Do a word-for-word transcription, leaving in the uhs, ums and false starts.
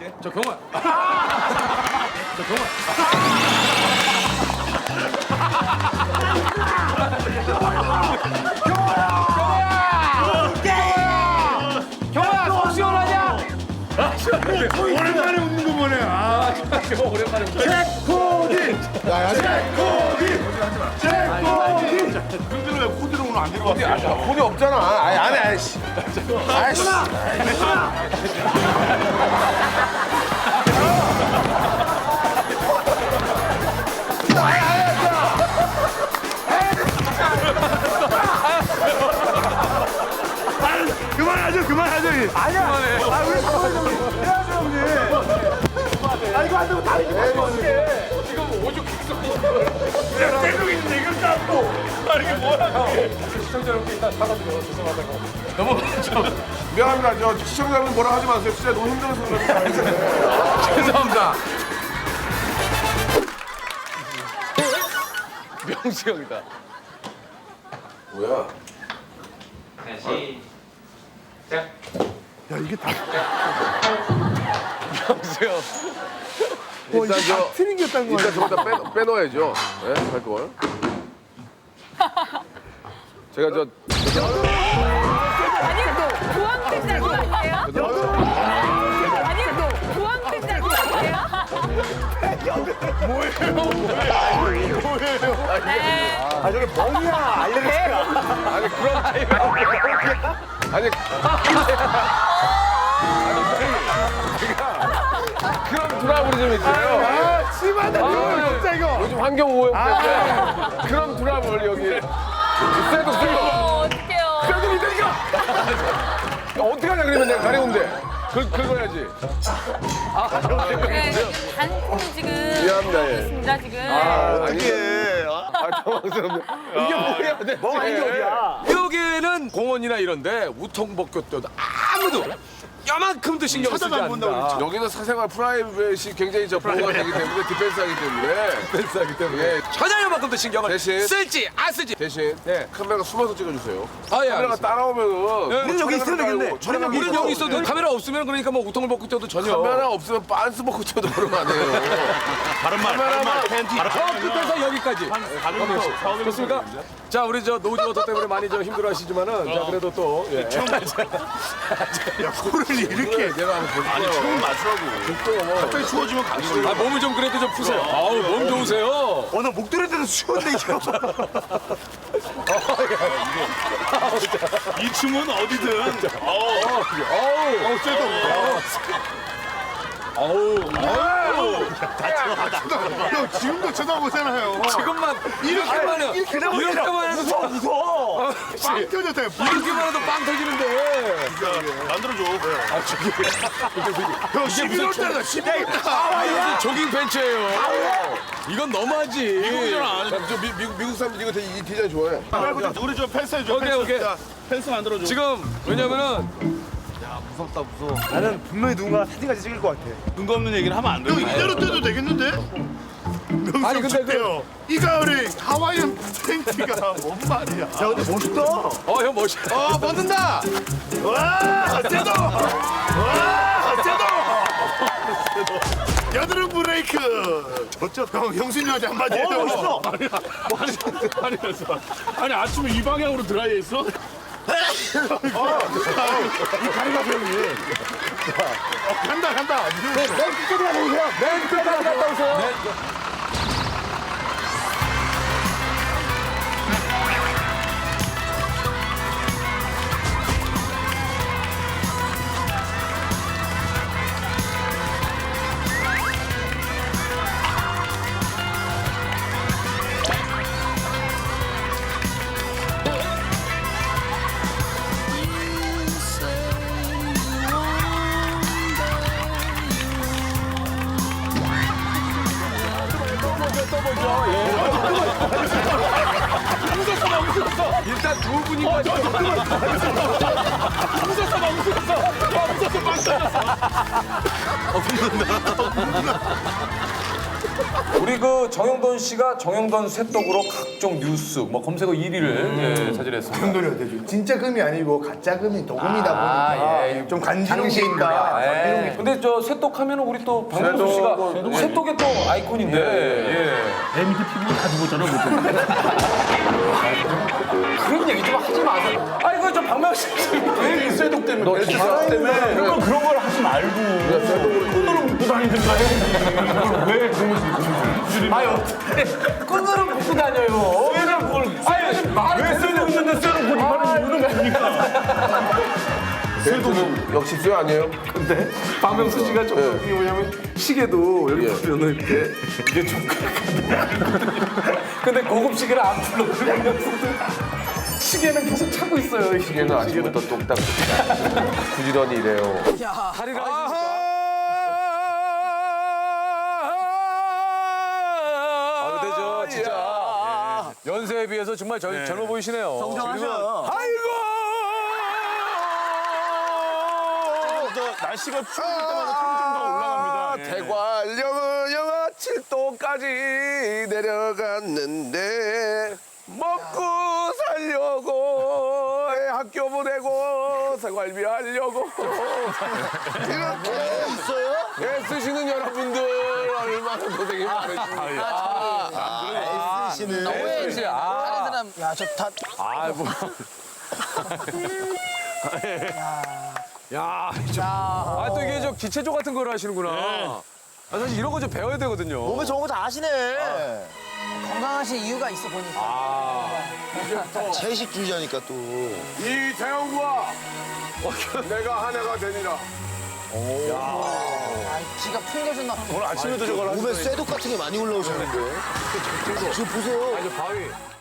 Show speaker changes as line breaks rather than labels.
할게.
저 경원. 저 경원. 경원아, 속 시원하냐?
오랜만에 웃는 거 보네. 아,
경원 오랜만에.
코디.
야, 야,
코디. 코디. 근데 왜 코디를 오늘 안 들고 왔어?
코디 없잖아. 아이, 안 해, 아이씨. 아이씨.
그만하죠, 그만하죠. 아니야. 아, 왜 그만하죠? 해야죠, 형님. 아, 이거 안 되고 다른 거 해야지.
지금 오죽 객석.
그냥 계속 있는데 이걸 잡고. 아, 이게 뭐야?
시청자 여러분께 일단 사과드려요. 죄송하다고. 넘어가죠.
미안합니다. 저 시청자분 뭐라 하지 마세요. 진짜 너무 힘들어서 그래요.
죄송합니다. 명수 형이다.
뭐야?
시작.
야, 이게 다,
명수 형.
어,
일단
이게
저
다 트릭이었다는 거야.
일단 저기다 빼, 빼놓아야죠. 예? 할 걸. 제가 저
아니, 보안팀 잘 아니에요? 아니, 보안팀 잘 아니에요?
아, 저게 멍이야, 알레르기가.
아니 그런 아니 그런 트러블이 좀 있어요.
아, 심하다, 이거 진짜 이거.
요즘 환경 오염 때문에 그런 트러블 여기 쇠도 쇠도
어, 어떡해요.
쇠도 이대니까 어떻게 하냐 그러면 내가 가려운데 긁 긁어야지.
네, 단풍이 지금
미안합니다, 예.
있습니다, 지금.
어떻게? 아 당황스럽네. 이게 뭐야? 내
멍 이게 어디야?
여기는 공원이나 이런데 우통벗고 뛰어도 아무도 요만큼도 신경 쓰지
쳐다도 안 본다고
않는다.
여기는 사생활 프라이빗이 굉장히 저 보호가 되기 때문에 디펜스하기 때문에
펜스하기 때문에
예.
전혀 요만큼도 신경을
대신-
쓸지 안 쓸지.
대신
네.
카메라 숨어서 찍어주세요.
아, 예,
카메라가
알겠습니다.
따라오면은
우리는
여기 있어도 되겠네.
촬영
우리는 여기 있어도 카메라 없으면 그러니까 뭐 우통을 벗고 뛰어도 전혀.
카메라 없으면 빤스 벗고 뛰어도 그러면 안 해요.
다른 말, 다른 말, 팬티.
저 끝에서 여기까지. 좋습니까? 자, 우리 저 노즈워터 때문에 많이 좀 힘들어하시지만은 자 그래도 또 예.
야, 코를 이렇게.
내가 한번 볼게요. 아니 처음 맞추라고.
갑자기 추워지면 가시죠.
아, 몸을 좀 그래도 좀 푸세요. 아우, 몸 좋으세요.
어, 나 목도리 때도 추운데, 이거. 이 춤은 어디든.
어우,
어, 쎄도.
어우, 어우.
형, 지금도 쳐다보잖아요.
지금만 이렇게만 해요. 이렇게만 해도
무서워, 무서워. 빵 터졌다, 빵.
이렇게만 해도 빵 터지는데.
만들어줘.
아, 저기.
형, 십일월 달이다, 십일월 달.
아, 이게 조깅 팬츠예요. 이건 너무하지.
미국이잖아. 저 미, 미국 미국 사람들 이거 되게 이 디자인 좋아해.
말고 우리 좀 펜스 해줘.
오케이,
펜스.
오케이.
자, 펜스 만들어줘.
지금 왜냐면은
나는 분명히 누군가 사진까지 찍을 것 같아.
근거 없는 얘기를 하면 안 돼. 형, 이대로 떼도 되겠는데?
아니, 근데
요 이 가을에 하와이안 팬티가 뭔 말이야?
야, 근데 멋있다.
어, 형 멋있다.
어 벗는다.
와, 떼도! 와, 떼도! 여드름 브레이크! 어쩌 형, 형수님한테 한마디 해줘.
어, 멋있어.
아니, 아니, 아니, 아침에 이 방향으로 드라이 했어? 이 가리가 형이. 어, 간다, 간다.
맨 끝까지 갔다 오세요. 맨 끝까지 갔다 오세요. 일단 두 분이까지.
웃었어, 나 웃었어. 나 웃었어, 빵 터졌어.
어, 붙는다. 우리 그 정영돈 씨가 정영돈 쇠떡으로 각종 뉴스 뭐 검색어 일 위를 예, 차지했습니다.
금돈이 어때죠? 진짜 금이 아니고 가짜 금이 도금이다
아,
보니까
예.
좀 간지러운 게 있다. 이런 게
근데 저 쇠떡 하면은 우리 또 박명수 씨가 쇠떡의 또 아이콘인데. 예.
내 밑에 피부 다 죽었잖아.
그런 얘기 좀 하지 마세요. 아이고 저 박명수 씨.
왜 쇠독 때문에
너
왜
기사
쇠독
때문에
그러면 그런 걸 하지 말고 끈으로 묶고 다니든가 해. 왜 그런 거
아유 어떻게 끈으로 묶고 다녀요.
쇠를 그걸
아니 말을
왜 쇠도 있는데 쇠를 못 입하는 이유는 뭡니까?
쇠도는 역시 쇠 아니에요?
근데 박명수 씨가 좀 이게 뭐냐면 시계도 이렇게 보면은 이렇게 이게 좀 근데 고급 시계를 안 풀러 시계는 계속 차고 있어요. 이
시계는 아침부터 똑딱 부지런히 이래요.
다리가 아 근데 저 진짜 연세에 비해서 정말 젊, 젊어 보이시네요.
정정하셔.
아이고
날씨가 추울 때마다 통증도 올라갑니다.
대관령은 영하 칠 도까지 내려갔는데 먹고 살려고 애 학교 보내고 생활비 하려고 이렇게 있어요? 애쓰시는 여러분들 얼마나 고생이 많으십니까?
애쓰시는
씨, 아,
야저다
아 뭐. 야, 아 또 이게 저 기체조 같은 걸 하시는구나. 아, 사실 이런 거 좀 배워야 되거든요.
몸에 좋은 거 다 아시네. 건강하신 이유가 있어 보니까.
채식주의자니까 또.
이 태영과 내가 한 해가 되니라.
아, 지가 풍겨졌나.
오늘 아침에도 저걸 하시더니.
몸에 쇠독 같은 게 많이 올라오셨는데. 지금 보세요.
아니, 바위.